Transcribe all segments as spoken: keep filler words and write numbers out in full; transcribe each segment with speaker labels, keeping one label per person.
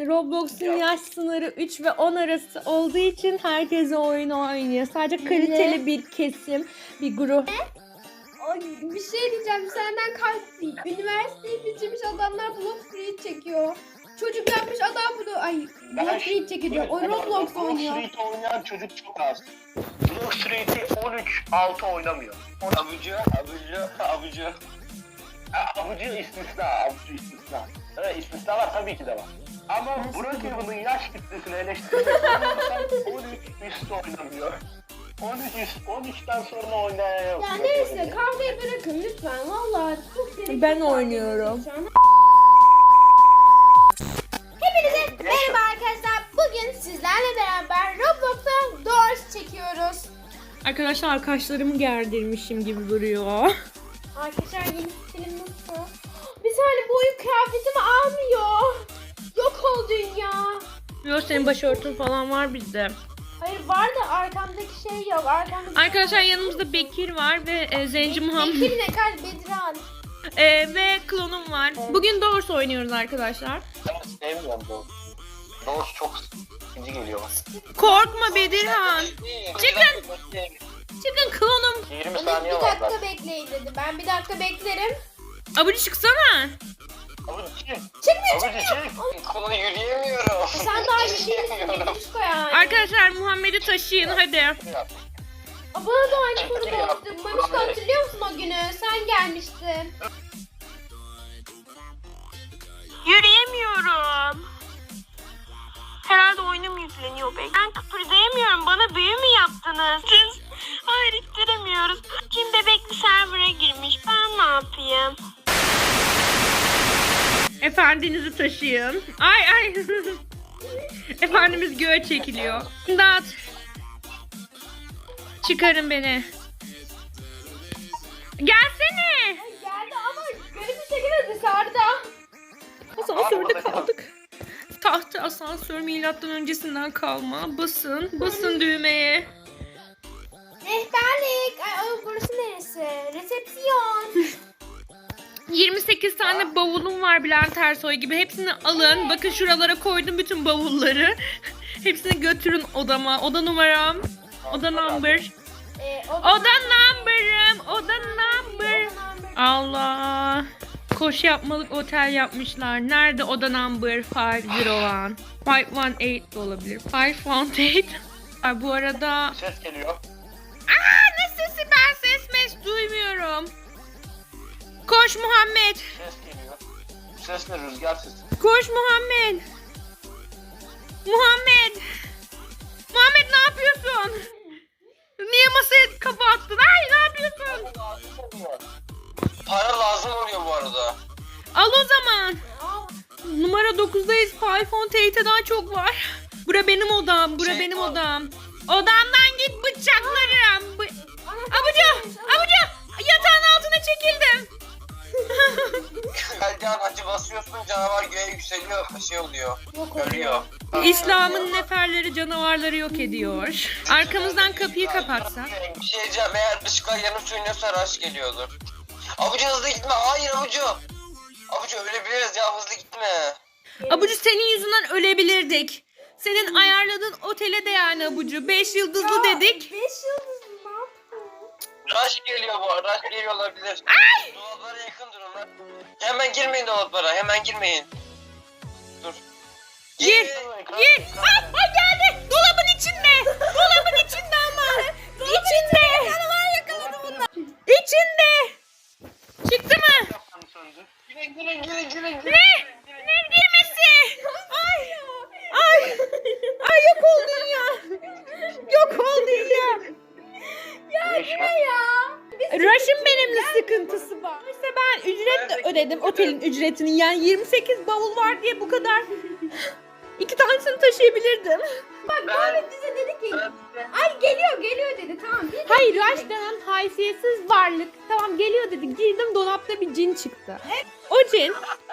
Speaker 1: Roblox'un yaş sınırı üç ve on arası olduğu için herkes o oyunu oynuyor. Sadece kaliteli bir kesim, bir grup.
Speaker 2: Ay, bir şey diyeceğim, senden kalp değil. Üniversiteyi bitirmiş adamlar Block Street çekiyor. Çocuk yapmış adam bunu, ay Block Street çekiyor. O Roblox oynuyor.
Speaker 3: Block Street oynayan çocuk çok az. Block Street'i on üç altı oynamıyor. Abucu, abucu, abucu. Abucu istisna, abucu istisna. Evet, istisnalar tabii ki de var. Ama Brookhaven'ın yaş kitlesini eleştirmek on üç üstü oynamıyor. on üç, on üçten sonra oynayan yok.
Speaker 2: Ya neyse, kavgayı bırakın lütfen. Vallahi çok gerekli.
Speaker 1: Ben oynuyorum.
Speaker 2: Hepinize merhaba arkadaşlar. Bugün sizlerle beraber Roblox'a Doors çekiyoruz.
Speaker 1: Arkadaşlar arkadaşlarımı gerdirmişim gibi duruyor.
Speaker 2: Arkadaşlar yeni stilim nasıl? Bir saniye, bu oyun kıyafetimi almıyor. Yok ol dünya.
Speaker 1: Yok, senin başörtün falan var bizde.
Speaker 2: Hayır var da arkamdaki şey yok. Arkamdaki
Speaker 1: Arkadaşlar yanımızda Bekir var ve e, Zenci Muhammed
Speaker 2: Bekir ne kadar Bedran.
Speaker 1: e, ve klonum var. Bugün Doors oynuyoruz arkadaşlar.
Speaker 3: Ben sevmiyorum Doğuş. Doğuş çok sıkıcı geliyor.
Speaker 1: Korkma Bedirhan. Çıkın. Çıkın klonum.
Speaker 3: yirmi
Speaker 2: Onu
Speaker 3: saniye
Speaker 2: bir
Speaker 3: var
Speaker 2: dakika
Speaker 3: zaten.
Speaker 2: bekleyin dedi. Ben bir dakika beklerim.
Speaker 1: Abucu çıksana.
Speaker 3: Abucu çık.
Speaker 2: Çıkmıyor
Speaker 3: Abucu
Speaker 2: çıkmıyor.
Speaker 3: çık. Kolunu yürüyemiyorum.
Speaker 2: Sen daha iyi değilsin. Kuşko yani.
Speaker 1: Arkadaşlar Muhammed'i taşıyın hadi.
Speaker 2: Aa, bana da aynı konuda oldu. Mamişko hatırlıyor musun o günü? Sen gelmiştin.
Speaker 1: Yürüyemiyorum. Herhalde oyunum yükleniyor be. Ben kıpırdayamıyorum. Bana büyü mü yaptınız? Siz hayır ittiremiyoruz. Kim bebekli server'a girmiş. Ben ne yapayım? Efendinizi taşıyın. Ay ay. Efendimiz göğe çekiliyor. Dağıt. Çıkarın beni. Gelsene.
Speaker 2: Geldi ama garip bir şekilde dışarıda.
Speaker 1: Asansörde kaldık. Tahta asansör milattan öncesinden kalma. Basın. Basın düğmeye.
Speaker 2: Rehberlik. Ay, ay, burası neresi? Resepsiyon.
Speaker 1: yirmi sekiz tane bavulum var Bülent Ersoy gibi. Hepsini alın. Bakın şuralara koydum bütün bavulları. Hepsini götürün odama. Oda numaram. Oda number.
Speaker 2: Ee,
Speaker 1: Oda number'ım. Oda number. Allah. Koş yapmalık otel yapmışlar. Nerede oda number beş yüz bir? beş yüz on sekiz de olabilir. beş yüz on sekiz. Ay, bu arada...
Speaker 3: Ses geliyor.
Speaker 1: Aa, ne sesi? Ben ses mes duymuyorum. Koş Muhammed.
Speaker 3: Ses geliyor. Ses ne? Rüzgar sesi.
Speaker 1: Koş Muhammed. Muhammed. Muhammed ne yapıyorsun? Niye masaya kafa attın? Ay ne yapıyorsun?
Speaker 3: Para lazım oluyor bu arada.
Speaker 1: Al o zaman. Numara dokuzdayız. iPhone T T'den çok var. Bura benim odam. Bura
Speaker 3: Şey,
Speaker 1: benim
Speaker 3: al.
Speaker 1: odam. Odamdan git bıçaklarım. Bu... Abucu. Abucu. Yatağın altına çekildim.
Speaker 3: Gelcan acı basıyorsun canavar göğe yükseliyor. Şey oluyor. Ölüyor.
Speaker 1: İslam'ın neferleri canavarları yok ediyor. Arkamızdan kapıyı kapatsak.
Speaker 3: Bir şey diyeceğim, eğer ışıklar yanıp sönüyorsa rush geliyordur. Abucu hızlı gitme, hayır Abucu. Abucu ölebiliriz ya, hızlı gitme.
Speaker 1: Abucu senin yüzünden ölebilirdik. Senin ayarladığın otele de yani Abucu. Beş yıldızlı dedik.
Speaker 2: Beş yıldız mı? Ne yaptın?
Speaker 3: Rush geliyor bu, rush geliyor olabilir. Dolaplara yakın durun lan. Hemen girmeyin dolaplara, hemen girmeyin. Dur.
Speaker 1: Gir, gir. Ah, ay geldi. Dolabın içinde. Dolabın içinde ama. İçinde. Canavar yakaladı bunlar. İçinde. Çıktı mı?
Speaker 3: Girin girin girin girin.
Speaker 1: Ne? Ne girmesi? Ay. Ay. Ay yok ol dünya. Yok ol dünya.
Speaker 2: Ya ne ya?
Speaker 1: Rush'ın benimle sıkıntısı var. İşte ben ücret de ödedim otelin ücretini. Yani yirmi sekiz bavul var diye bu kadar. İki tanesini taşıyabilirdim.
Speaker 2: Bak Muhammed bize dedi ki ay geliyor geliyor dedi, tamam. Bir
Speaker 1: Hayır, Rush denen haysiyetsiz varlık. Tamam geliyor dedi. Girdim, dolapta bir cin çıktı. O cin.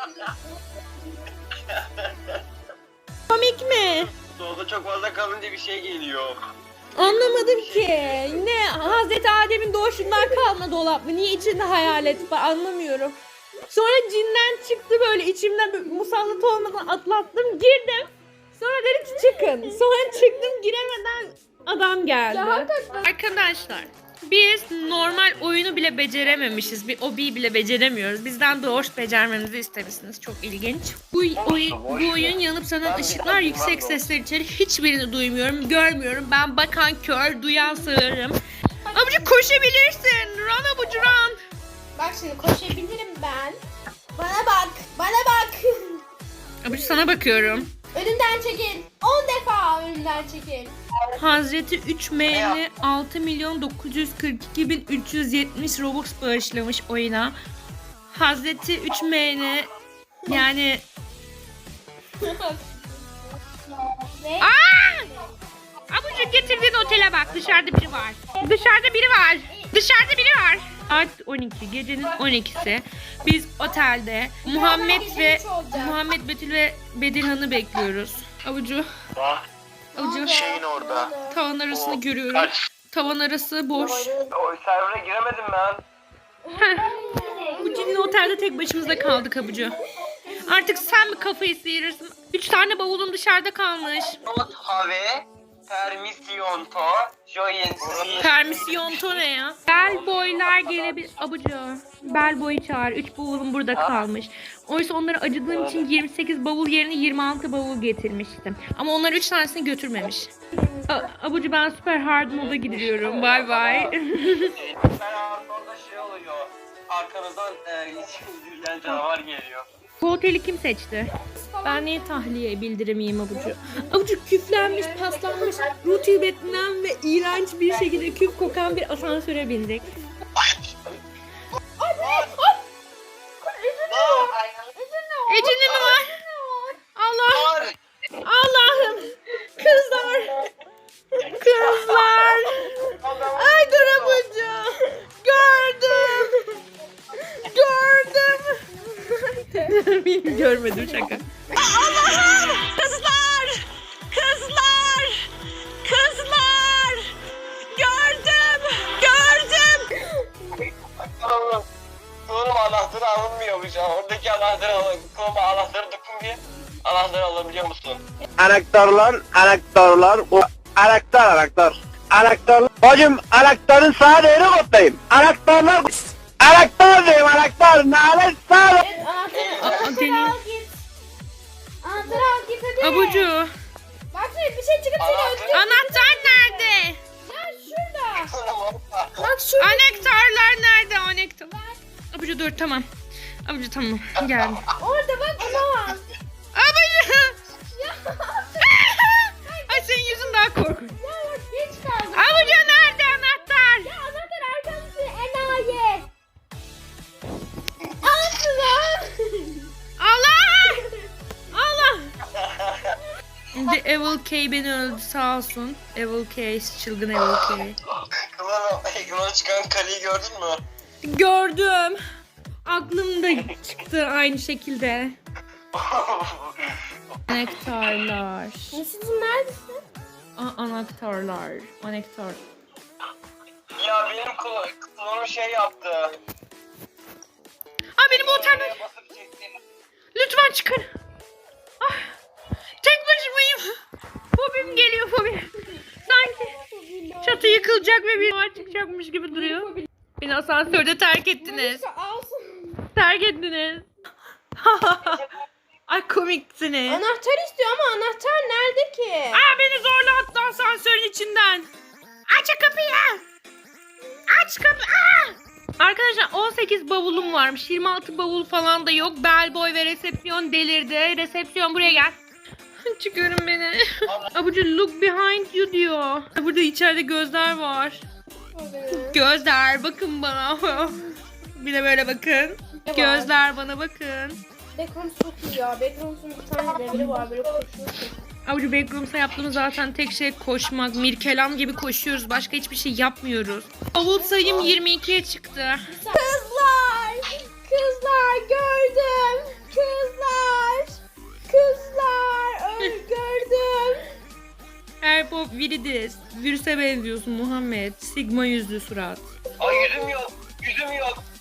Speaker 1: Komik mi?
Speaker 3: Dolda çok fazla kalınca bir şey geliyor.
Speaker 1: Anlamadım ki. Ne Hazreti Adem'in doğuşundan kalma dolap mı? Niye içinde hayalet var? Anlamıyorum. Sonra cinden çıktı böyle içimden böyle musallat olmadan atlattım girdim. Sonra dedi ki çıkın. Sonra çıktım giremeden adam geldi.
Speaker 2: Ya hakikaten.
Speaker 1: Arkadaşlar biz normal oyunu bile becerememişiz. Bir obiyi bile beceremiyoruz. Bizden doğuş becermemizi istemişsiniz. Çok ilginç. Bu, oyun, bu oyun yanıp sönen ışıklar yüksek sesler içeri. Hiçbirini duymuyorum, görmüyorum. Ben bakan kör, duyan sığırım. Abucu koşabilirsin. Run abucu run.
Speaker 2: Bak şimdi koşabilirim ben. Bana bak. Bana bak.
Speaker 1: Abucu sana bakıyorum.
Speaker 2: Önümden çekil. on defa önümden çekil.
Speaker 1: Hazreti üç M'li altı milyon dokuz yüz kırk iki bin üç yüz yetmiş Robux bağışlamış oyuna. Hazreti üç M'li yani
Speaker 2: Ve
Speaker 1: Abucu getirdiğin otele bak. Dışarıda biri var. Dışarıda biri var. Dışarıda biri var. Saat on iki. Gecenin on ikisi. Biz otelde Muhammed ve Muhammed Betül ve Bedirhan'ı bekliyoruz. Abucu.
Speaker 3: Bak
Speaker 1: Abucu.
Speaker 3: şeyin orada.
Speaker 1: Tavan arasını
Speaker 3: O
Speaker 1: görüyorum.
Speaker 3: kaç-
Speaker 1: Tavan arası boş.
Speaker 3: O servere giremedim ben.
Speaker 1: Bu cinin otelde tek başımıza kaldık Abucu. Artık sen mi kafayı sıyırırsın? Üç tane bavulum dışarıda kalmış.
Speaker 3: Not have permission to join.
Speaker 1: Permisyon to ne ya? Bel boylar gelebilir. Abucu. Bel boyu çağır. Üç bavulum burada kalmış. Oysa onlara acıdığım için yirmi sekiz bavul yerine yirmi altı bavul getirmiştim. Ama onlar üç tanesini götürmemiş. A- Abucu ben süper hard moda gidiyorum. Bye bye.
Speaker 3: Ben orada şey oluyor. Arkanızdan e, yürüyen canavar geliyor.
Speaker 1: Bu oteli kim seçti? Ben niye tahliye bildiremeyeyim Abucu? Abucu küflenmiş, paslanmış, rutubetlenen ve iğrenç bir şekilde küf kokan bir asansöre bindik. Ecine mi var? Allah! Allah'ım! Kızlar! Kızlar! Ay dur Abucu! Gördüm! Gördüm! Görmedim şaka. Allah'ım! Kızlar! Kızlar! Kızlar! Gördüm! Gördüm!
Speaker 3: Oğlum anahtarı alınmıyormuş ya. Oradaki anahtarı alın. Koluma anahtarı dokun bir. Anahtarı alabiliyor musun?
Speaker 4: Anahtarlar, anahtarlar, o anahtar, anahtar. Anahtar. Hocam anahtarın sağ değeri kodlayayım. Anahtarlar, anahtar diyeyim, anahtar. Nalet sağ.
Speaker 2: evet, anahtarı,
Speaker 1: Aa,
Speaker 2: anahtarı
Speaker 1: deneyim.
Speaker 2: al git. Anahtarı al git hadi.
Speaker 1: Abucu!
Speaker 2: Bak şimdi bir şey çıkıp seni
Speaker 3: Anahtar-
Speaker 2: öldürecek.
Speaker 1: Anahtar nerede?
Speaker 2: Ya şurada. Bak şurada.
Speaker 1: Anahtarlar nerede? Anahtar. Abucu dur tamam. Abucu tamam geldim.
Speaker 2: Orada bak onu al.
Speaker 1: Abucu!
Speaker 2: Ya,
Speaker 1: Ay senin yüzün daha korkunç.
Speaker 2: ya bak geç kaldım.
Speaker 1: Abucu nerede anahtar?
Speaker 2: Ya anahtar arkamızda enayi. Asla.
Speaker 1: Allah! Allah! The Evil K beni öldü sağ olsun. Evil K, çılgın Evil K.
Speaker 3: Kıvana, ekrana çıkan kaleyi gördün mü?
Speaker 1: Gördüm. Aklımda çıktı aynı şekilde. Anahtarlar.
Speaker 2: Nasılsın neredesin?
Speaker 1: A- anahtarlar. Anahtar.
Speaker 3: Ya benim klo- klonum şey yaptı.
Speaker 1: Aa benim bu otel.
Speaker 3: Basıp çekti.
Speaker 1: Lütfen çıkın. Ah, tek başımayım. Fobim geliyor fobim. Sanki çatı yıkılacak ve bir var çıkacakmış gibi duruyor. Beni asansörde terk ettiniz.
Speaker 2: Alsın.
Speaker 1: Terk ettiniz. Ay komiksiniz.
Speaker 2: Anahtar istiyor ama anahtar nerede ki?
Speaker 1: Aa beni zorla attı asansörün içinden. Aç kapıyı. Aç kapı. Aa! Arkadaşlar on sekiz bavulum varmış. yirmi altı bavul falan da yok. Bellboy ve resepsiyon delirdi. Resepsiyon buraya gel. Çıkarın beni. Abucu look behind you diyor. Burada içeride gözler var. Gözler bakın bana. Bir de böyle bakın. Gözler bana bakın.
Speaker 2: Backroom çok iyi ya. Backroom'un bir tane leveli var böyle koşuyorsun.
Speaker 1: Abucu Backrooms'a yaptığımız zaten tek şey koşmak. Mirkelam gibi koşuyoruz. Başka hiçbir şey yapmıyoruz. Bavul sayım yirmi ikiye çıktı.
Speaker 2: Kızlar! Kızlar gördüm! Kızlar! Kızlar! Öl gördüm!
Speaker 1: Airpop Viridis. Virüse benziyorsun Muhammed. Sigma yüzlü surat.
Speaker 3: Ay yüzüm yok. Yüzüm yok.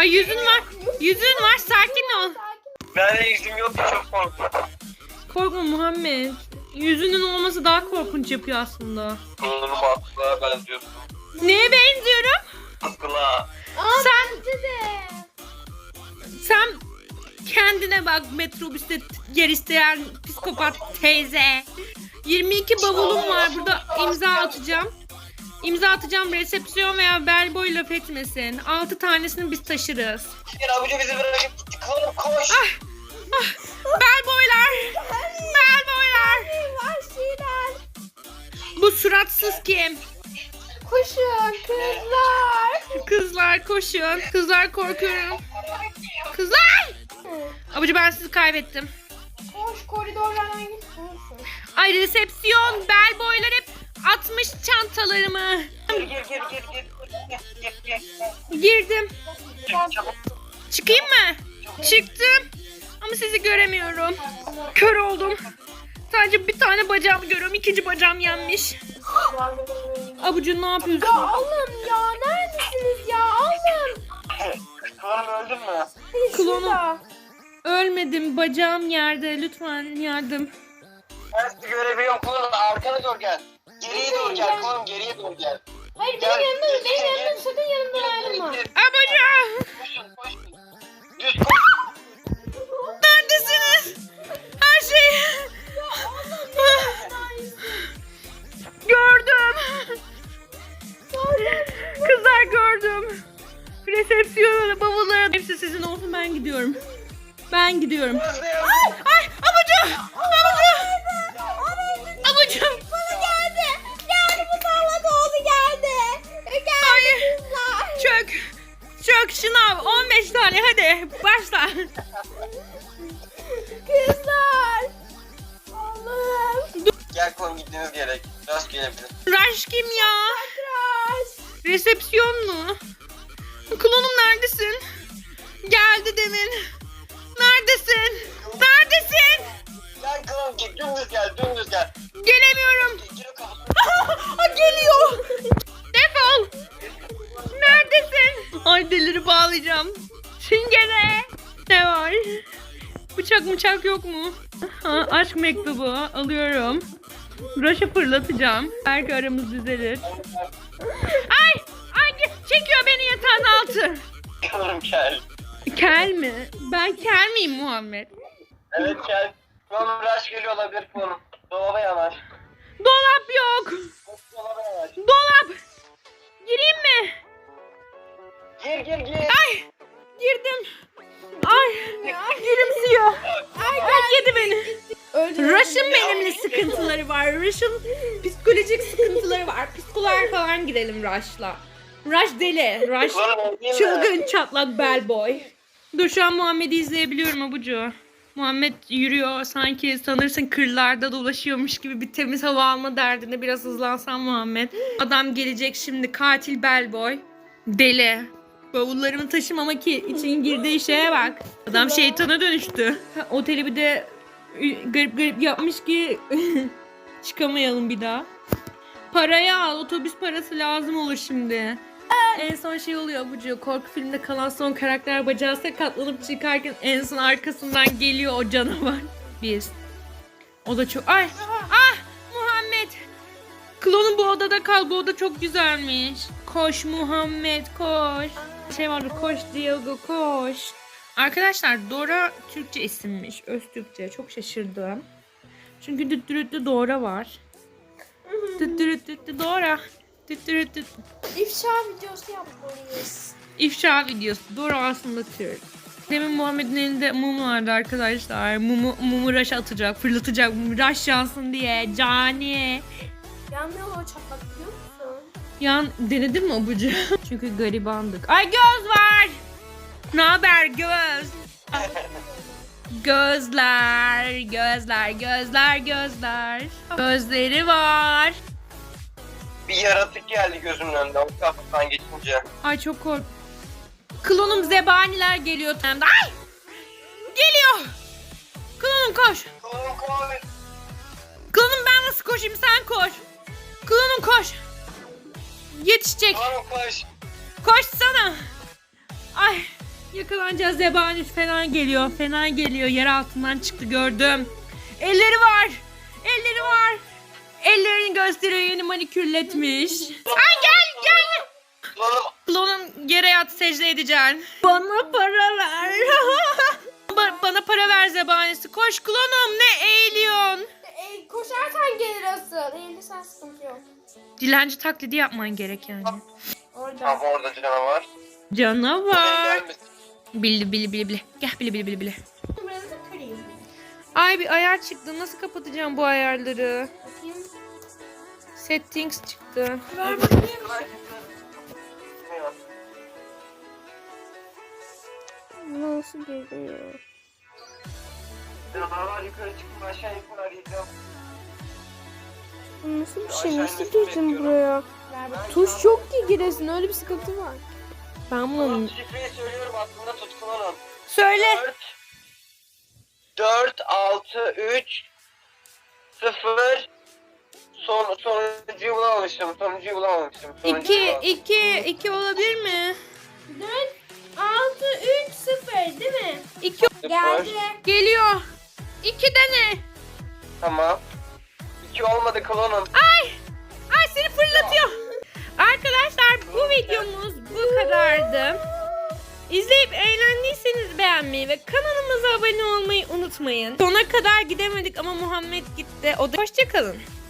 Speaker 1: Ay yüzün var. Yüzün var, sakin ol.
Speaker 3: Ben de yüzüm yok ki çok korktum.
Speaker 1: Korkma Muhammed. Yüzünün olması daha korkunç yapıyor aslında.
Speaker 3: Kıllarım akla benziyorsun.
Speaker 1: Neye benziyorum?
Speaker 3: Akla.
Speaker 2: Aa,
Speaker 1: Sen-
Speaker 2: bence de.
Speaker 1: Sen kendine bak, metrobüste yer isteyen psikopat teyze. yirmi iki bavulum var, burada imza atacağım. İmza atacağım, resepsiyon veya bellboy laf etmesin. altı tanesini biz taşırız.
Speaker 3: Gel abici bizi bırakıp gitti. Kıllarım koş.
Speaker 1: Bellboylar! Bellboylar!
Speaker 2: Vahşiler.
Speaker 1: Bu suratsız kim?
Speaker 2: Koşun kızlar.
Speaker 1: Kızlar koşun. Kızlar korkuyorum. Kızlar! Abucu ben sizi kaybettim.
Speaker 2: Koş koridorlardan git. Koşun.
Speaker 1: Ay resepsiyon, bellboylar hep atmış çantalarımı.
Speaker 3: Gir gir gir gir gir. Gir gir gir.
Speaker 1: Girdim.
Speaker 3: Çabuk çabuk.
Speaker 1: Çıkayım mı? Çıktım. Ama sizi göremiyorum. Kör oldum. Sadece bir tane bacağımı görüyorum. İkinci bacağım yenmiş. Abucu ne yapıyorsun?
Speaker 2: Ya Allah'ım ya neredesiniz ya Allah'ım.
Speaker 3: Kıllarım öldün mü?
Speaker 1: Klonum.
Speaker 2: Şurada.
Speaker 1: Ölmedim. Bacağım yerde. Lütfen yardım.
Speaker 3: Ben sizi görebiliyorum kıllarım. Arkana doğru gel. Geriye doğru gel kıllarım, geriye doğru gel.
Speaker 2: Hayır
Speaker 3: Gel,
Speaker 2: benim yanımda
Speaker 3: gel,
Speaker 2: benim
Speaker 3: gel,
Speaker 2: yanımda
Speaker 3: gel.
Speaker 2: sakın yanımdan ayrılma.
Speaker 1: Abucu!
Speaker 3: Koşun koşun. Düz koş.
Speaker 1: Neredesiniz? Her şey... Gördüm. Kızlar gördüm. Resepsiyona, bavullara hepsi sizin olsun, ben gidiyorum. Ben gidiyorum.
Speaker 3: Özlem.
Speaker 1: Ay abucu! Abucu! Abucu!
Speaker 2: Bana geldi. Geldi bu sallak oldu geldi. Geldi
Speaker 1: Hayır.
Speaker 2: kızlar.
Speaker 1: Çök! Çök şınav! on beş tane hadi başla.
Speaker 2: Kızlar. Allah'ım.
Speaker 3: Gel kıllarım, gitmemiz gerek. Rastgele bir.
Speaker 1: Rush kim ya?
Speaker 2: Tıraş.
Speaker 1: Resepsiyon mu? Klonum neredesin? Geldi demin. Neredesin? Neredesin?
Speaker 3: Gel kıllarım, git dümdüz gel, dümdüz gel.
Speaker 1: Gelemiyorum.
Speaker 3: Gir o kapı.
Speaker 1: Aa, geliyor. Defol. Neredesin? Ay deliri bağlayacağım. Çingene. Ne var? Bıçak bıçak yok mu? Ha, aşk mektubu alıyorum. Rush'ı fırlatacağım. Belki aramız düzelir. Ay! Ay çekiyor beni yatağın altı.
Speaker 3: Kıllarım gel.
Speaker 1: Kel mi? Ben kel miyim Muhammed?
Speaker 3: Evet gel. Kıllarım rush geliyor olabilir kıllarım. Dolaba yanaş.
Speaker 1: Dolap yok.
Speaker 3: Dolaba yanaş.
Speaker 1: Dolap. Gireyim mi?
Speaker 3: Gir gir gir.
Speaker 1: Ay! Girdim. Ay! Gülümsüyor. Ay, ay yedi beni. Rush'ın benimle sıkıntıları var. Rush'ın psikolojik sıkıntıları var. Psikoloğa falan gidelim Rush'la. Rush deli. Rush
Speaker 3: Kıllarım öldün mü?
Speaker 1: çılgın çatlak bellboy. Dur şu an Muhammed'i izleyebiliyorum abucu. Muhammed yürüyor sanki sanırsın kırlarda dolaşıyormuş gibi bir temiz hava alma derdinde. Biraz hızlansan Muhammed. Adam gelecek şimdi, katil bellboy. Deli. Bavullarımı taşımamak için girdiği şeye bak. Adam şeytana dönüştü. Ha, oteli bir de garip garip yapmış ki çıkamayalım bir daha. Parayı al. Otobüs parası lazım olur şimdi. En son şey oluyor abucu. Korku filminde kalan son karakter bacağı sakatlanıp çıkarken en son arkasından geliyor o canavar. Biz. O da çok... Ay! Ah! Muhammed! Klonun bu odada kal. Bu oda çok güzelmiş. Koş Muhammed koş. Şey vardı, koş Diego koş. Arkadaşlar Dora Türkçe isimmiş. Öz Türkçe. Çok şaşırdım. Çünkü düttürütlü Dora var. Düttürütlü Dora. Düttürütlü.
Speaker 2: İfşa videosu yapmalıyız.
Speaker 1: İfşa videosu. Dora aslında Türk. Demin Muhammed'in elinde mum vardı arkadaşlar. Mumu, mumu Rush'a atacak, fırlatacak. Rush yansın diye. Cani.
Speaker 2: Yanmıyor o çatlak biliyor musun?
Speaker 1: Yan denedin mi abucu? Çünkü garibandık. Ay göz var. Ne haber göz? Gözler, gözler, gözler, gözler. Gözleri var.
Speaker 3: Bir yaratık geldi gözümün önünde. O kapıdan geçince.
Speaker 1: Ay çok kork. Klonum zebaniler geliyor. Ay! Geliyor. Klonum koş.
Speaker 3: Kıllarım koş.
Speaker 1: Klonum ben nasıl koşayım, sen koş. Klonum koş. Yetişecek.
Speaker 3: Kıllarım koş.
Speaker 1: Koşsana. Ay Yakalanacağız. Zebanüs falan geliyor. Fena geliyor. Yer altından çıktı gördüm. Elleri var. Elleri var. Ellerini gösteriyor. Yeni manikürletmiş. Ay gel gel.
Speaker 3: Klonum.
Speaker 1: Klonum yere yat, secde edeceksin. Bana para ver. Ba- Bana para ver Zebanüs'ü. Koş klonum, ne eğiliyorsun?
Speaker 2: E, koşarsan gelir asıl. Eğilirsen sıkıntı yok.
Speaker 1: Dilenci taklidi yapman gerek yani.
Speaker 2: Orada.
Speaker 3: Ama orada canavar.
Speaker 1: Canavar.
Speaker 3: Gelmiş.
Speaker 1: Bili bili bili bili. Gel bili bili bili bili.
Speaker 2: Numaranızı kırayım.
Speaker 1: Ay bir ayar çıktı. Nasıl kapatacağım bu ayarları?
Speaker 2: Bakayım.
Speaker 1: Settings çıktı.
Speaker 2: Ver bakayım. Nasıl geliyor?
Speaker 3: Canavar yukarı çıkın aşağı yukarı arayacağım.
Speaker 2: Nasıl bir
Speaker 3: şey?
Speaker 2: şey?
Speaker 3: Nasıl
Speaker 2: Nasıl
Speaker 3: girdin
Speaker 2: girdin
Speaker 3: buraya?
Speaker 2: buraya? Tuş yok ki giresin. Öyle bir sıkıntı var.
Speaker 1: Ben
Speaker 3: Klonum
Speaker 1: bunu...
Speaker 3: şifreyi söylüyorum aklında tut klonum.
Speaker 1: Söyle.
Speaker 3: dört altı üç sıfır Son, sonuncuyu bulamamışım. Sonuncuyu bulamamışım. Sonuncuyu
Speaker 1: iki,
Speaker 3: bulamamışım.
Speaker 1: iki, iki olabilir mi?
Speaker 2: dört, altı, üç, sıfır değil mi?
Speaker 1: İki
Speaker 2: Geldi.
Speaker 1: geliyor. İki de ne?
Speaker 3: Tamam. iki olmadı klonum.
Speaker 1: Ay! Ay seni fırlatıyor. Arkadaşlar bu videomuz bu kadardı. İzleyip eğlendiyseniz beğenmeyi ve kanalımıza abone olmayı unutmayın. Sona kadar gidemedik ama Muhammed gitti. O da hoşça kalın.